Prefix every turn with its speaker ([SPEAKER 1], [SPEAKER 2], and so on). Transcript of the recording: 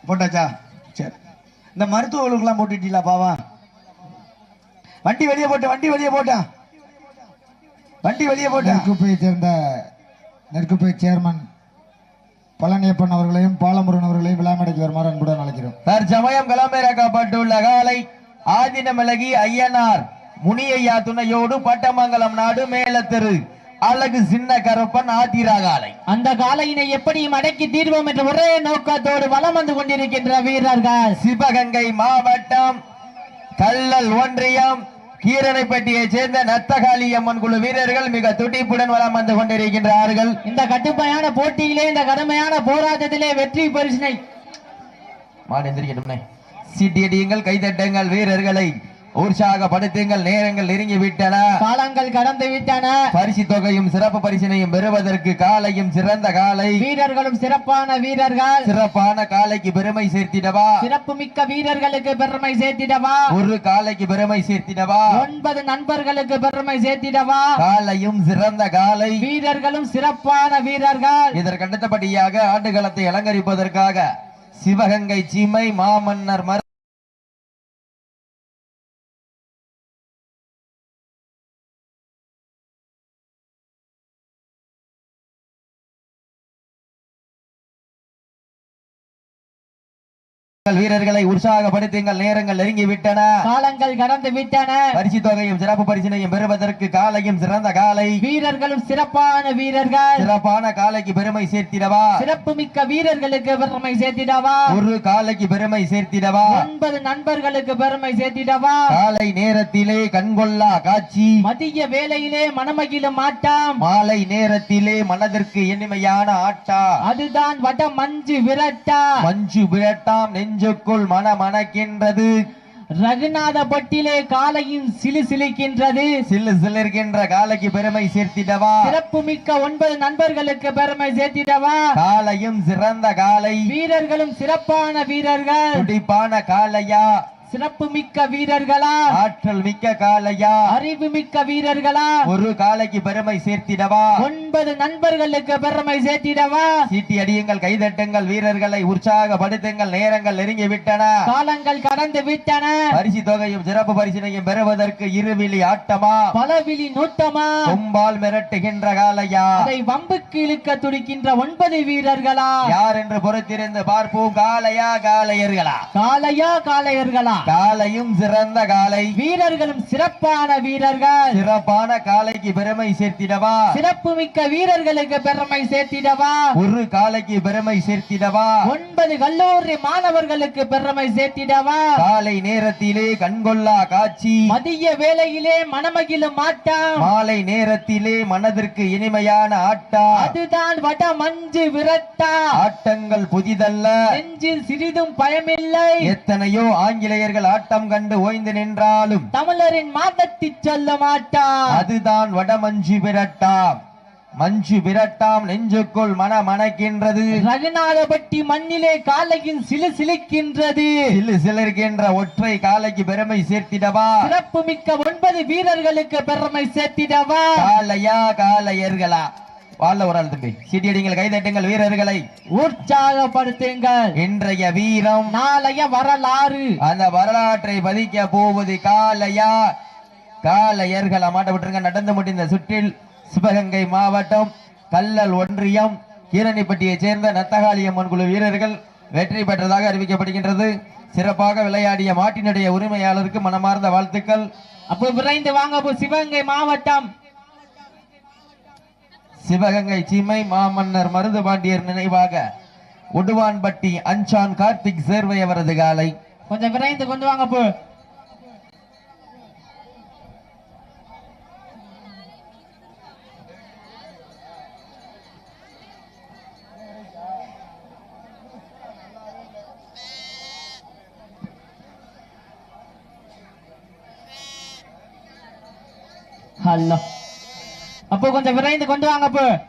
[SPEAKER 1] போட்டாச்சா? சரி. இந்த மருத்துவர்களுக்கெல்லாம் போட்டுட்டீங்களா பாவா? வண்டி வெளியே போட்டேன், வண்டி வெளியே போட்டேன், வண்டி வெளியே போட்டேன்.
[SPEAKER 2] நெற்குப்பையை சேர்ந்த நெற்குப்பை சேர்மன் பழனியப்பன் அவர்களையும் பாலமுருகன் அவர்களையும் விழாமடைக்கு வருமாறு அன்புடன் அழைக்கிறோம்.
[SPEAKER 3] தற்சமயம் களமிறக்கப்பட்டுள்ள காலை ஆதினமிளகி ஐயனார் முனியையா துணையோடு பட்டமங்கலம் நாடு மேலத்தெரு அழகு சின்ன கருப்பன் ஆத்திரா காலை.
[SPEAKER 4] அந்த காலையினை எப்படியும் அடக்கி தீர்வோம் என்ற ஒரே நோக்கத்தோடு வலம் வந்து கொண்டிருக்கின்ற வீரர்கள்
[SPEAKER 3] சிவகங்கை மாவட்டம் கல்லல் ஒன்றியம் கீரனைப்பட்டியை சேர்ந்த நத்தகாளி அம்மன் குழு வீரர்கள் மிக துடிப்புடன் வலம் வந்து கொண்டிருக்கின்றார்கள்.
[SPEAKER 4] இந்த கட்டுப்பையான போட்டியிலே, இந்த கடுமையான போராட்டத்திலே வெற்றி பரிசினை
[SPEAKER 3] சீட்டியடியுங்கள், கைதட்டுங்கள், வீரர்களை உற்சாகப்படுத்துங்கள். நேரங்கள் நெருங்கி விட்டன,
[SPEAKER 4] காலங்கள் கடந்து விட்டன.
[SPEAKER 3] பரிசு தொகையும் சிறப்பு பரிசினையும் பெறுவதற்கு காலையும் சிறந்த காலை,
[SPEAKER 4] வீரர்களும் சிறப்பான வீரர்கள்.
[SPEAKER 3] சிறப்பான காலைக்கு பெருமை சேர்த்திடவா,
[SPEAKER 4] சிறப்பு மிக்க வீரர்களுக்கு பெருமை சேர்த்திடவா,
[SPEAKER 3] ஒரு காலைக்கு பெருமை சேர்த்திடவா,
[SPEAKER 4] 9 நண்பர்களுக்கு பெருமை சேர்த்திடவா.
[SPEAKER 3] காலையும் சிறந்த காலை,
[SPEAKER 4] வீரர்களும் சிறப்பான வீரர்கள்.
[SPEAKER 3] இதற்கு அடுத்தபடியாக ஆண்டுகளத்தை அலங்கரிப்பதற்காக சிவகங்கை சீமை மாமன்னர் வீரர்களை உற்சாகப்படுத்துங்கள். நேரங்கள் நெருங்கி விட்டன,
[SPEAKER 4] காலங்கள் கடந்து விட்டன.
[SPEAKER 3] பரிசு தொகையும் சிறப்பு பரிசினையும் பெறுவதற்கு காலையும் சிறந்த காலை,
[SPEAKER 4] வீரர்களும் சிறப்பான வீரர்கள்.
[SPEAKER 3] சிறப்பான காலைக்கு பெருமை சேர்த்திடவா,
[SPEAKER 4] சிறப்பு மிக்க வீரர்களுக்கு பெருமை சேர்த்திடவா,
[SPEAKER 3] ஒரு காலைக்கு பெருமை சேர்த்திடவா,
[SPEAKER 4] 9 நண்பர்களுக்கு பெருமை சேர்த்திடவா.
[SPEAKER 3] காலை நேரத்திலே கண்கொள்ளா காட்சி,
[SPEAKER 4] மதிய வேளையிலே மனமகிழும் ஆட்டம்,
[SPEAKER 3] மாலை நேரத்திலே மனதிற்கு இனிமையான ஆட்டா,
[SPEAKER 4] அதுதான் வட மஞ்சு விரட்டா.
[SPEAKER 3] மஞ்சு விரட்டாம் நெஞ்சுக்குள் மனமணக்கின்றது,
[SPEAKER 4] ரகுநாதபட்டிலே காலையும் சிலு சிலிக்கின்றது.
[SPEAKER 3] சிலு சிலிர்கின்ற காலைக்கு பெருமை சேர்த்திடவா,
[SPEAKER 4] சிறப்பு மிக்க 9 நண்பர்களுக்கு பெருமை சேர்த்திடவா.
[SPEAKER 3] காலையும் சிறந்த காலை,
[SPEAKER 4] வீரர்களும் சிறப்பான வீரர்கள்.
[SPEAKER 3] துடிப்பான காலையா,
[SPEAKER 4] சிறப்பு மிக்க வீரர்களா,
[SPEAKER 3] ஆற்றல் மிக்க காலையா,
[SPEAKER 4] அறிவு மிக்க வீரர்களா,
[SPEAKER 3] ஒரு காலைக்கு பெருமை சேர்த்திடவா,
[SPEAKER 4] 9 நண்பர்களுக்கு பெருமை சேர்த்திடவா.
[SPEAKER 3] சீட்டி அடியுங்கள், கைதட்டுங்கள், வீரர்களை உற்சாகப்படுத்துங்கள். நேரங்கள் நெருங்கி விட்டன,
[SPEAKER 4] காலங்கள் கடந்து விட்டன.
[SPEAKER 3] பரிசு தொகையும் சிறப்பு பரிசினையும் பெறுவதற்கு இருவிழி ஆட்டமா,
[SPEAKER 4] பலவிழி நூட்டமா,
[SPEAKER 3] கொம்பால் மிரட்டுகின்ற காலையா,
[SPEAKER 4] அதை வம்புக்கு இழுக்க துடிக்கின்ற 9 வீரர்களா,
[SPEAKER 3] யார் என்று பொறுத்திருந்து பார்ப்போம். காலையா காளையர்களா,
[SPEAKER 4] காளையா காளையர்களா,
[SPEAKER 3] காலையும் சிறந்த காலை,
[SPEAKER 4] வீரர்களும் சிறப்பான வீரர்கள்.
[SPEAKER 3] சிறப்பான காலைக்கு பெருமை சேர்த்திடவா,
[SPEAKER 4] சிறப்பு மிக்க வீரர்களுக்கு பெருமை சேர்த்திடவா,
[SPEAKER 3] ஒரு காலைக்கு பெருமை சேர்த்திடவா,
[SPEAKER 4] 9 கல்லூரி மாணவர்களுக்கு பெருமை சேர்த்திடவா.
[SPEAKER 3] காலை நேரத்திலே கண்கொள்ளா காட்சி,
[SPEAKER 4] மதிய வேளையிலே மனமகிழும் ஆட்டம்,
[SPEAKER 3] மாலை நேரத்திலே மனதிற்கு இனிமையான ஆட்டா,
[SPEAKER 4] அதுதான் வட மஞ்சு விரட்டா.
[SPEAKER 3] ஆட்டங்கள் புதிதல்ல,
[SPEAKER 4] நெஞ்சில் சிறிதும் பயமில்லை.
[SPEAKER 3] எத்தனையோ ஆங்கிலேயர்கள் ஆட்டம் கண்டு ஓய்ந்து நின்றாலும்
[SPEAKER 4] தமிழரின் மாதத்தை சொல்ல மாட்டான்,
[SPEAKER 3] அதுதான் வட மஞ்சு விரட்டாம். மஞ்சு விரட்டாம் நெஞ்சுக்குள் மனமணக்கின்றது,
[SPEAKER 4] ரகுநாதபட்டி மண்ணிலே காலையில் சிலு சிலிக்கின்றது.
[SPEAKER 3] சிலு சிலிர்கின்ற ஒற்றை காலைக்கு பெருமை சேர்த்திடவா,
[SPEAKER 4] சிறப்பு மிக்க 9 வீரர்களுக்கு பெருமை சேர்த்திடவா.
[SPEAKER 3] காலையா காளையர்களா, வாழ்ல ஒரு ஆள் தம்பி, சீட்டியடிங்கள், கைதட்டுங்கள், வீரர்களை
[SPEAKER 4] உற்சாகப்படுத்துங்கள்.
[SPEAKER 3] இன்றைய வீரம்
[SPEAKER 4] நாளைய வரலாறு,
[SPEAKER 3] அந்த வரலாற்றை பதிக்க போவது காலையா காளையர்களா. மாட்ட விட்டுருங்க. நடந்து முடிந்த சுற்றில் சிவகங்கை மாவட்டம் கல்லல் ஒன்றியம் கீரணிப்பட்டியை சேர்ந்த நத்தகாளி அம்மன் குழு வீரர்கள் வெற்றி பெற்றதாக அறிவிக்கப்படுகின்றது. சிறப்பாக விளையாடிய மாட்டினுடைய உரிமையாளருக்கு மனமார்ந்த வாழ்த்துக்கள்.
[SPEAKER 4] அப்போ விரைந்து வாங்க. சிவகங்கை மாவட்டம்
[SPEAKER 3] சிவகங்கை சீமை மாமன்னர் மருது பாண்டியர் நினைவாக உடுவான்பட்டி அஞ்சான் கார்த்திக் சேர்வை அவரது காலை
[SPEAKER 4] கொஞ்சம் விரைந்து கொண்டு வாங்க. போ ஹலோ, அப்போ கொஞ்சம் விரைந்து கொண்டு வாங்க.